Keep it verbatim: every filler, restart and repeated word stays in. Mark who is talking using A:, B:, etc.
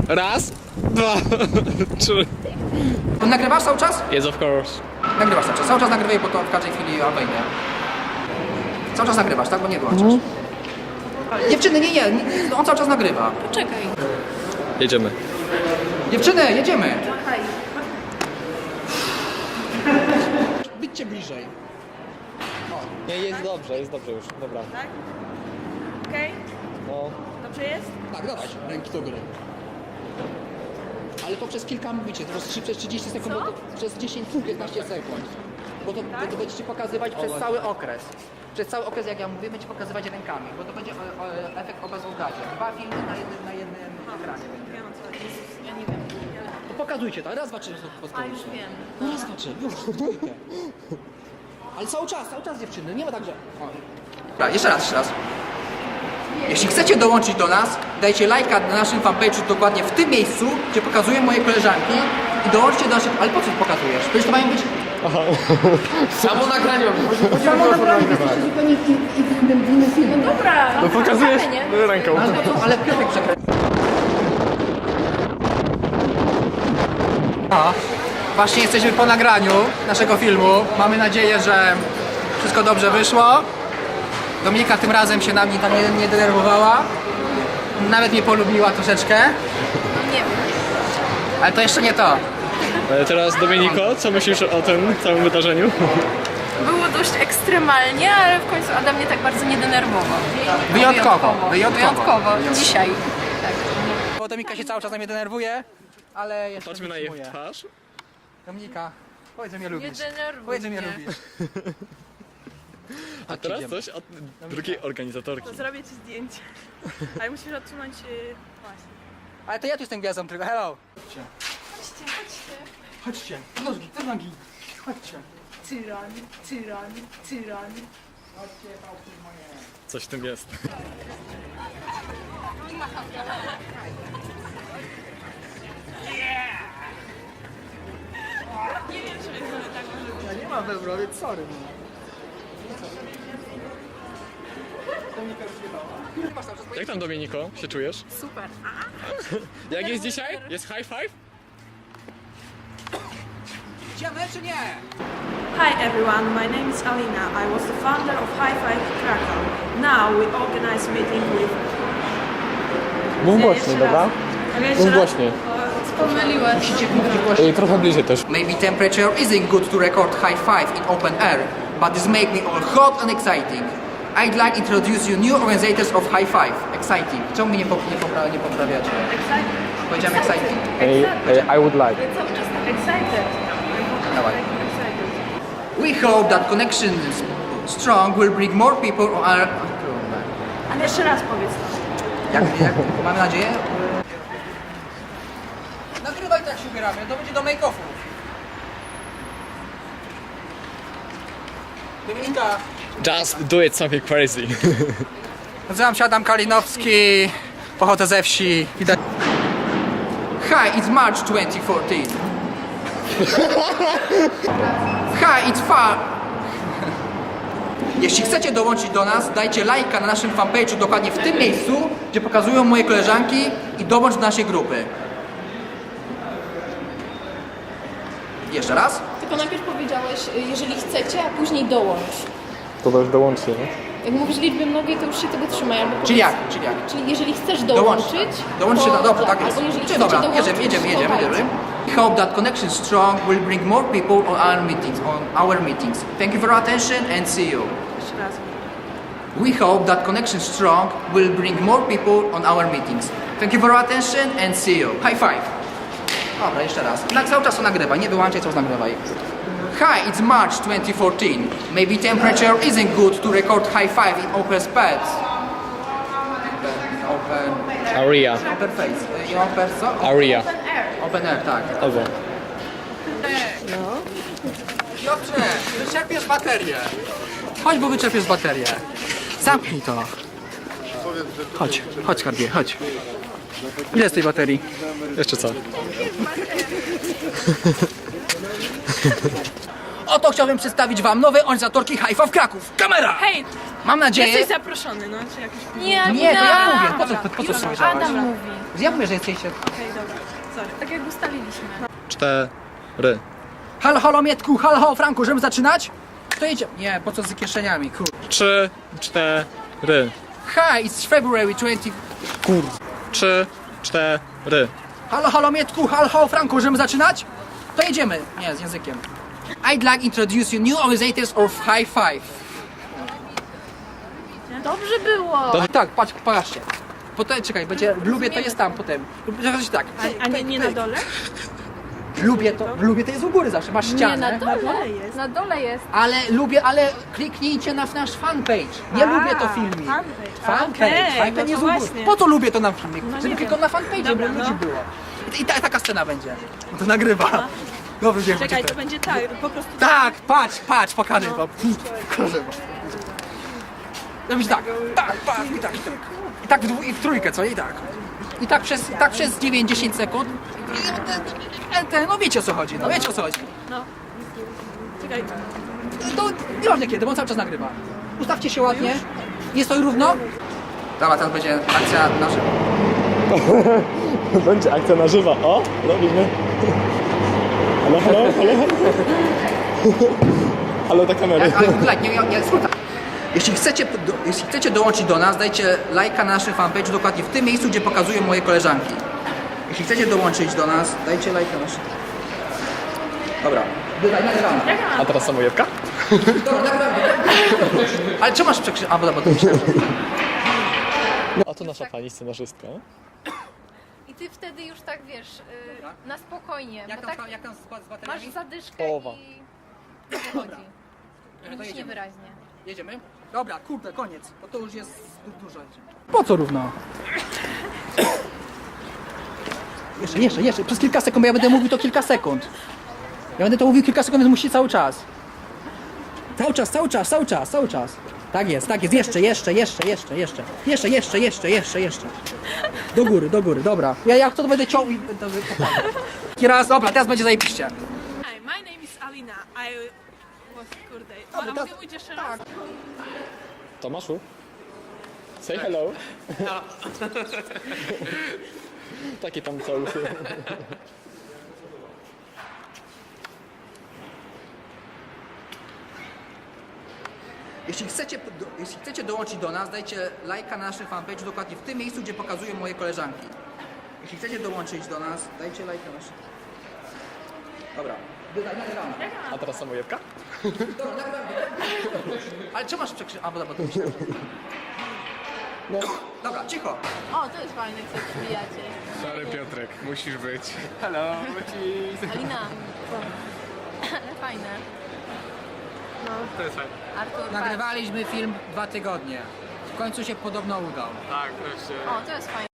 A: Raz, dwa, trzy.
B: To nagrywasz cały czas?
A: Yes, of course.
B: Nagrywasz cały czas. Cały czas nagrywaj, bo to w każdej chwili ja wejdę. Cały czas nagrywasz, tak? Bo nie wyłączasz. Mm. Dziewczyny, nie, nie, nie, on cały czas nagrywa.
C: Poczekaj.
A: Jedziemy.
B: Dziewczyny, jedziemy. Byćcie bliżej.
A: Nie, jest dobrze, jest dobrze już, dobra.
C: Tak? Okej?
A: No.
C: Dobrze jest?
B: Tak, dawać ręki do góry. Ale to przez kilka mówicie, to przez trzydzieści sekund, bo to przez dziesięć piętnaście sekund. Bo to, bo to będziecie pokazywać przez cały okres. Przez cały okres, jak ja mówię, będziecie pokazywać rękami, bo to będzie o, o, efekt obrazu w gazie. Dwa filmy na jednym, na jednym ekranie będzie.
C: Ja mam co, Jezus, ja nie wiem.
B: To pokazujcie to, raz, dwa, trzy,
C: A już wiem.
B: No raz, dwa, trzy, już, dwójkę. Ale cały czas, cały czas dziewczyny, nie ma tak, że... O. Dobra, jeszcze raz, jeszcze raz. Jeśli chcecie dołączyć do nas, dajcie lajka na naszym fanpage'u dokładnie w tym miejscu, gdzie pokazuję moje koleżanki i dołączcie do naszych... Ale po co to pokazujesz? Przecież to mają być...
A: Samo nagranie.
B: Samo nagranie. Zupełnie w innym, w innym filmie.
C: No dobra, no
A: Pokazujesz
C: nie?
A: ręką.
B: Ale, to, ale Piotrek przekręcił. No, właśnie jesteśmy po nagraniu naszego filmu. Mamy nadzieję, że wszystko dobrze wyszło. Dominika tym razem się na mnie tam nie, nie denerwowała. Nawet mnie polubiła troszeczkę.
C: No nie wiem.
B: Ale to jeszcze nie to.
A: Ale teraz Dominiko, co myślisz o tym całym wydarzeniu?
C: Było dość ekstremalnie, ale w końcu Adam mnie tak bardzo nie denerwował.
B: Wyjątkowo, wyjątkowo.
C: Wyjątkowo. Dzisiaj. Tak.
B: Bo Dominika się cały czas na mnie denerwuje, ale jeszcze
A: Patrzmy na jej
B: wytrzymuje.
A: twarz.
B: Dominika, powiedz, że mnie
C: Nie
B: lubisz.
C: denerwuj
B: Powiedz, że mnie
C: mnie.
B: lubisz.
A: A teraz
B: idziemy.
A: coś od drugiej organizatorki.
D: To zrobię ci zdjęcie. Ale musisz odsunąć yy, właśnie.
B: Ale to ja tu jestem gwiazdą tylko, hello.
C: Chodźcie, chodźcie.
B: Chodźcie, nogi, te nogi. Chodźcie.
D: Tyran, tyran, tyran.
B: Chodźcie, pałki moje.
A: Coś w tym jest.
B: Ja nie mam we wrowie, sorry. Dominika już nie
A: Jak tam, Dominiko, się czujesz?
C: Super.
A: Jak jest dzisiaj? Jest high five?
B: Idziemy czy nie?
D: Hi everyone, my name is Alina. I was the founder of High Five Krakow. Now we organize meeting with...
A: Mów
D: Nie,
A: głośniej,
D: jeszcze
A: dobra?
D: raz. Mogę jeszcze
A: Mów
D: raz?
A: głośniej.
C: Pomyliłaś.
B: Musicie mówić głośniej.
A: I trochę bliżej też.
B: Maybe temperature isn't good to record high five in open air, but this make me all hot and exciting. I'd like to introduce you new organizers of high five. Exciting. Czemu mnie nie, pop nie, popra nie poprawiacie?
D: Excited.
B: Powiedziałem exciting.
A: I would like.
C: Cały czas tak.
D: Excited.
B: Dawaj.
D: Excited.
B: We hope that connection strong will bring more people on our...
D: Ale jeszcze raz powiedz to.
B: Jak, jak, mamy nadzieję? Nagrywaj tak się ubieramy, to będzie do make-offów. Dominika.
A: Just do it something crazy.
B: Nazywam się Adam Kalinowski, pochodzę ze wsi. Widać... Hi, it's March twenty fourteen. Hi, it's far... Jeśli chcecie dołączyć do nas, dajcie lajka na naszym fanpage'u dokładnie w tym miejscu, gdzie pokazują moje koleżanki i dołącz do naszej grupy. Jeszcze raz?
C: Tylko najpierw powiedziałeś, jeżeli chcecie, a później dołącz.
A: To też dołączcie, nie?
C: Jak mówisz liczbę mnogiej, to już się tego trzymaj. Albo
B: Czyli
C: powiedz-
B: jak? Czyli jak?
C: Czyli jeżeli chcesz
B: Dołącz.
C: dołączyć,
B: Dołączcie,
C: to
B: no dobrze, tak jest.
C: Albo jeżeli
B: Czyli
C: chcecie
B: dobra,
C: dołączyć,
B: jedziemy, jedziemy,
C: to
B: jedziemy,
C: dajcie.
B: jedziemy. We hope that connection strong will bring more people on our meetings, on our meetings. Thank you for your attention and see you.
D: Jeszcze raz.
B: We hope that connection strong will bring more people on our meetings. Thank you for your attention and see you. High five. Dobra, jeszcze raz. Na cały czas to nagrywaj, nie wyłączaj, cały czas nagrywaj. Hi, it's March twenty fourteen. Maybe temperature isn't good to record high five in open space. Open,
A: Aria.
B: open face. I open co?
A: Aria.
B: Open air, tak.
A: Albo.
B: Piotrze, wyczerpiesz baterię. Chodź, bo wyczerpiesz baterię. Zamknij to. Chodź, chodź skarbie, chodź. Ile jest tej baterii?
A: Jeszcze co?
B: oto chciałbym przedstawić wam nowe organizatorki High Five Kraków. Kamera!
D: Hej,
B: Mam nadzieję...
D: jesteś zaproszony, no, czy jakiś...
C: Nie,
B: Nie, to ja
C: Alina.
B: mówię. Po co, po, po co
C: Już
B: powiedziałaś?
C: Adam mówi.
B: Ja mówię, że jesteście...
D: Okej, dobra, sorry.
C: Tak jak ustaliliśmy.
A: Cztery.
B: Halo, halo Mietku, halo, halo Franku, możemy zaczynać? To jedzie... Nie, po co z kieszeniami, kur...
A: Trzy, cztery.
B: Hi, it's February twentieth...
A: Kur... Trzy, cztery.
B: Halo, halo Mietku, halo, halo Franku, możemy zaczynać? To jedziemy. Nie, z językiem. I'd like to introduce you new organizators of High Five.
C: Dobrze było.
B: Tak, patrz, patrzcie. Potem, czekaj, będzie, w Lubie to jest tam potem. Zobaczcie tak.
D: A, a nie, nie na dole?
B: W Lubie to, w Lubie to jest u góry zawsze, masz
C: Nie,
B: ścianę.
C: na dole.
D: dole jest.
C: Na dole jest.
B: Ale lubię, ale kliknijcie na nasz fanpage. Nie
D: A,
B: lubię to filmik.
D: fanpage.
B: Fanpage,
D: Okej,
B: fanpage
D: no
B: jest
D: to
B: u góry.
D: właśnie.
B: Po co lubię to na filmik?
D: No
B: Żeby
D: nie
B: tylko
D: wiem.
B: na fanpage,
D: Dobra,
B: żeby
D: no.
B: ludzi było. I, i ta, taka scena będzie. No to nagrywa. Dobry dzień.
D: Czekaj,
B: będzie
D: to będzie tak, po prostu...
B: Tak, patrz, patrz, pokażę wam. Pokażę wam. Robić tak, tak, tak, i tak, i tak. I tak w, dwu, i w trójkę, co? I tak. I tak przez, tak przez dziewięć do dziesięciu sekund. I ten, ten, no wiecie o co chodzi, no wiecie o co chodzi.
D: No. Czekaj,
B: To nieważne kiedy, bo on cały czas nagrywa. Ustawcie się ładnie. Jest to równo? Dobra, teraz będzie akcja na żywo.
A: Będzie akcja na żywo. O, robimy. Halo, halo, halo. Halo do kamery.
B: Ale like, nie, nie, nie, słuchaj. Jeśli chcecie, do, jeśli chcecie dołączyć do nas, dajcie lajka na naszym fanpage'u dokładnie w tym miejscu, gdzie pokazują moje koleżanki. Jeśli chcecie dołączyć do nas, dajcie lajka na naszym... Dobra, dodaj, nagramy.
A: A teraz samojewka?
B: Dobra, nagramy. Ale czemu masz przekrzy... A, bo dobra, to myślałem, że...
A: A to nasza pani scenarzystka.
C: I ty wtedy już tak wiesz, y, na spokojnie.
B: Jak
C: bo
B: tam,
C: tak
B: jak tam z, z
C: masz
B: bateriami?
C: zadyszkę
A: Połowa.
C: i nie wychodzi.
B: to
C: Mówisz
B: jedziemy.
C: niewyraźnie.
B: Jedziemy? Dobra, kurde, koniec, bo to już jest zbyt dużo. Po co równo? Jeszcze, jeszcze, jeszcze, przez kilka sekund, bo ja będę mówił to kilka sekund. Ja będę to mówił kilka sekund, więc musi cały czas. Cały czas, cały czas, cały czas, cały czas. Tak jest, tak jest, jeszcze, jeszcze, jeszcze, jeszcze, jeszcze. Jeszcze, jeszcze, jeszcze, jeszcze, jeszcze. Do góry, do góry, dobra. Ja jak to, to będę ciął i będę pokazał. Taki raz, dobra, teraz będzie zajebiście.
D: hi, my name is Alina. I was, kurde, a
B: Dobra,
D: mogę
B: teraz-
D: mówić jeszcze raz?
A: Tomaszu? Say hello. Takie tam całuchy.
B: Jeśli chcecie, do, jeśli chcecie dołączyć do nas, dajcie lajka na naszym fanpage'u dokładnie w tym miejscu, gdzie pokazują moje koleżanki. Jeśli chcecie dołączyć do nas, dajcie lajka na naszym... Dobra, dodaj, nagramy.
A: A teraz samojewka?
B: Dobra, nagramy. Ale czemu masz przekrzy... A, bo dobra, to myślałem, że...
A: No.
B: Dobra, cicho.
C: O, to jest fajne, jak się przybijacie.
E: Sorry Piotrek, musisz być.
C: Alina. Ale fajne.
E: To jest fajne.
C: Artur,
B: Nagrywaliśmy film dwa tygodnie. W końcu się podobno udał.
E: Tak, to się...
C: patrz. O, to jest fajne.